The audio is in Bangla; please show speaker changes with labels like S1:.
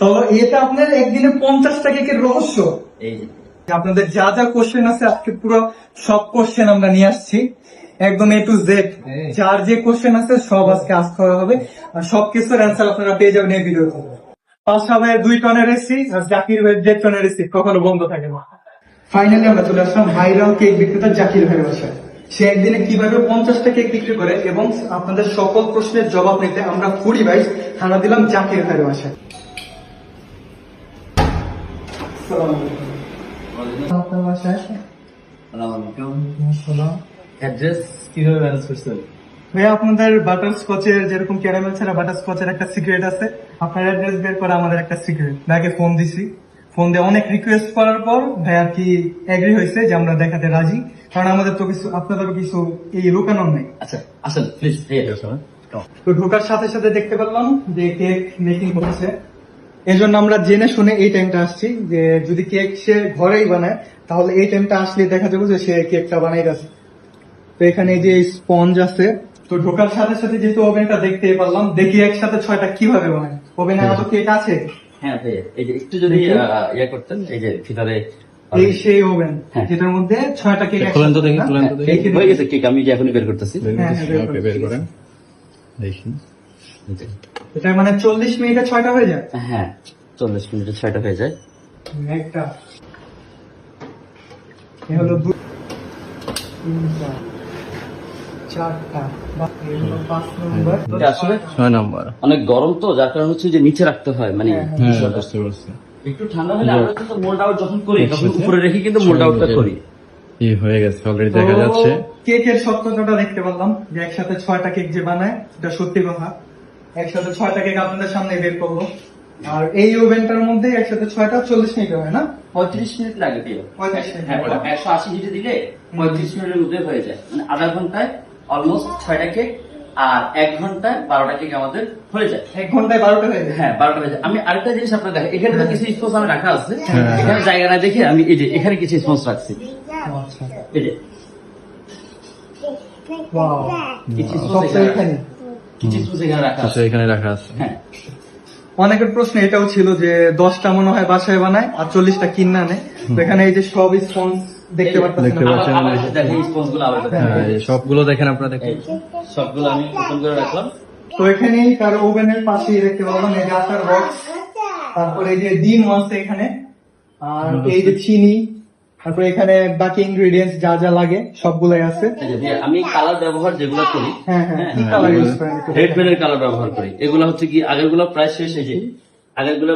S1: তো এটা আপনার একদিনে 50টা কেকের রহস্য।
S2: এই যে
S1: আপনাদের যা যা কোশ্চেন আছে আজকে পুরো সব কোশ্চেন আমরা নিয়ে আসছি, একদম এ টু জেড। যার যে কোশ্চেন আছে সব আজকে আস্ক করা হবে, আর সবকিছুর অ্যান্সার আপনারা পেয়ে যাবেন এই ভিডিওতে। পাঁচটা ভাইয়ের 2 টনের রেসি আর জাকির ভাইয়ের 1.5 টনের রেসি কখনো বন্ধ থাকে না। ফাইনালি আমরা চলে আসলাম ভাইরাল কেক বিক্রেতা জাকির ভাইয়ের বাসায়। সে একদিনে কিভাবে 50টা কেক বিক্রি করে এবং আপনাদের সকল প্রশ্নের জবাব নিতে আমরা ফুডি ভাই হানা দিলাম জাকির ভাইয়ের বাসায়। আপনার বাসায়
S2: অ্যাড্রেস কিভাবে ম্যানেজ করছেন?
S1: ভাইয়া আপনাদের বাটার স্কচের যেরকম ক্যারামেল ছাড়া বাটার স্কচের একটা সিক্রেট আছে, আপনার অ্যাড্রেস বের করা আমাদের একটা সিক্রেট। ভাইকে ফোন দিছি, ফোন দিয়ে অনেক রিকোয়েস্ট করার পর ভাই আর কি এগ্রি হয়েছে যে আমরা দেখাতে রাজি, কারণ আমাদের তো কিছু আপনাদেরও কিছু এই লুকানোর নেই।
S2: আচ্ছা আসেন প্লিজ।
S1: তো ঢোকার সাথে সাথে দেখতে পেলাম যে কেক মেকিং হচ্ছে, এই জন্য আমরা জেনে শুনে এই টাইমটা আসছি যে যদি কেক সে ঘরেই বানায় তাহলে এই টাইমটা আসলে দেখা যাবে যে সে কেকটা বানাই গেছে। তো এখানে এই যে স্পঞ্জ আছে, তো ঢোকার সাথে সাথে যেহেতু ওভেনটা দেখতে পারলাম, দেখি একসাথে 6টা কিভাবে বানায়। ওভেনে আরো কেক আছে,
S2: হ্যাঁ ভাইয়া এই যে একটু যদি ইয়ে করতেন, এই যে ভিতরে
S1: এই সেই ওভেন
S2: হ্যাঁ।
S1: যেটার মধ্যে 6টা কেক
S3: খুলেন তো দেখি, খুলেন তো দেখি।
S2: হয়ে গেছে কেক, আমি যে এখনই বের করতেছি।
S1: হ্যাঁ, হ্যাঁ,
S3: ওকে, বের করেন দেখি।
S1: এটা মানে 40 মিনিটে 6টা হয়ে যায়।
S2: হ্যাঁ 40 মিনিটে 6টা হয়ে যায়।
S1: একটা এ হলো 2 3 4 4টা, বাহ, এই হলো 5 নম্বর।
S2: এটা আসলে
S3: 6 নাম্বার।
S2: অনেক গরম তো, যার কারণে হচ্ছে যে নিচে রাখতে হয়, মানে
S1: হ্যাঁ,
S3: হ্যাঁ, বুঝতে পারছি।
S2: একটু ঠান্ডা হলে আমরা কিন্তু মোল্ড আউট যখন করি তখন উপরে রেখে কিন্তু মোল্ড আউটটা করি।
S3: এই হয়ে গেছে, অলরেডি
S1: তো
S3: দেখা যাচ্ছে।
S1: কেকের সত্যতাটা দেখতে পারলাম যে একসাথে 6টা কেক যে বানায় এটা সত্যি কথা। একসাথে 6টা কেক আপনাদের সামনে বের করবো, আর এই ওভেনটার মধ্যে একসাথে 6টা 40 মিনিট হয় না?
S2: 35 মিনিট লাগে দিয়ে
S1: 35 মিনিট।
S2: হ্যাঁ 180 হিটে দিলে 35 মিনিটের মধ্যে হয়ে যায়, মানে আধা ঘন্টায় অলমোস্ট 6টা কেক, আর 1 ঘন্টায় 12টা কেক আমাদের হয়ে যায়।
S1: 1 ঘন্টায় 12টা হয়ে যায়।
S2: হ্যাঁ 12টা হয়ে যায়। আমি আরেকটা জিনিস আপনার দেখেন, এখানে তো কিছু স্পঞ্জ আমি রাখা আছে,
S3: হ্যাঁ।
S2: এখানে জায়গা না দেখে আমি এই যে এখানে কিছু স্পঞ্জ রাখছি,
S1: আচ্ছা,
S2: এই যে
S1: ওয়াও,
S2: কিছু
S1: সব
S2: স্পঞ্জ
S1: তো এখানে।
S2: কিছু স্পঞ্জ এখানে রাখা
S3: আচ্ছা,
S2: আছে।
S3: এখানে রাখা আছে।
S2: হ্যাঁ
S1: অনেকের প্রশ্ন এটাও ছিল যে 10টা মনে হয় বাসায় বানায় আর 40টা কিনে আনে। তো এখানে এই যে সব স্পঞ্জ দেখতে পাচ্ছেন।
S3: দেখতে পাচ্ছেন।
S2: আবার একটু দেখেন স্পঞ্জ গুলো আবার একটু
S3: হ্যাঁ,
S2: দেখেন।
S3: এই সবগুলো দেখেন আপনারা, দেখেন।
S2: এই যে, সবগুলো আমি ওপেন করে রাখলাম।
S1: তো এখানেই তার ওভেনের পাশেই দেখতে পাবেন এই যে আটার বক্স, তারপরে এই যে ডিম আছে এখানে, আর এই যে চিনি, তারপরে এখানে বাকি ইনগ্রেডিয়েন্টস যা যা লাগে সবগুলাই আছে।
S2: এই যে ভাইয়া, আমি কালার ব্যবহার যেগুলো করি,
S1: হ্যাঁ হ্যাঁ, কি কালার ইউজ করেন একটু
S2: রেড পেনের কালার ব্যবহার করি। এগুলো হচ্ছে কি আগের গুলো প্রায় শেষ, এই যে আগের গুলো